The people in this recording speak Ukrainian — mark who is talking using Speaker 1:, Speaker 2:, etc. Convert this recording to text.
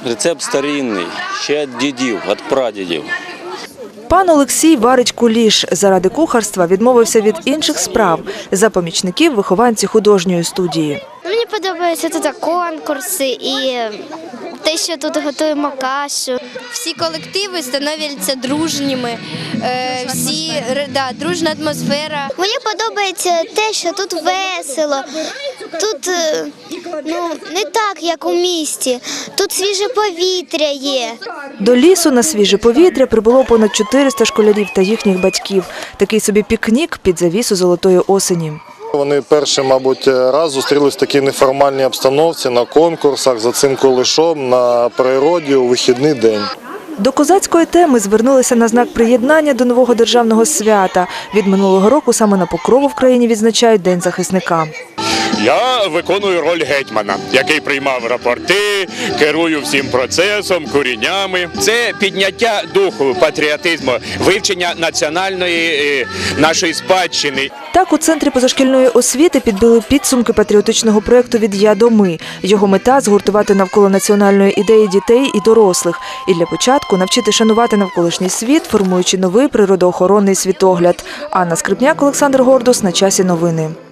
Speaker 1: Рецепт старинний, ще від дідів, від прадідів.
Speaker 2: Пан Олексій варить куліш. Заради кухарства відмовився від інших справ. За помічників вихованці художньої студії.
Speaker 3: Мені подобаються тут конкурси і те, що тут готуємо кашу. Всі колективи становляться дружніми, дружна атмосфера. Мені подобається те, що тут весело, тут не так, як у місті, тут свіже повітря є.
Speaker 2: До лісу на свіже повітря прибуло понад 400 школярів та їхніх батьків. Такий собі пікнік під завісу золотої осені.
Speaker 4: Вони перший, мабуть, раз зустрілись в такій неформальній обстановці, на конкурсах, за цим кулішом, на природі у вихідний день.
Speaker 2: До козацької теми звернулися на знак приєднання до нового державного свята. Від минулого року саме на Покрову в країні відзначають День захисника.
Speaker 5: Я виконую роль гетьмана, який приймав рапорти, керую всім процесом, куріннями. Це підняття духу, патріотизму, вивчення національної нашої спадщини.
Speaker 2: Так, у Центрі позашкільної освіти підбили підсумки патріотичного проєкту «Від я до ми». Його мета – згуртувати навколо національної ідеї дітей і дорослих. І для початку навчити шанувати навколишній світ, формуючи новий природоохоронний світогляд. Анна Скрипняк, Олександр Гордус. На часі новини.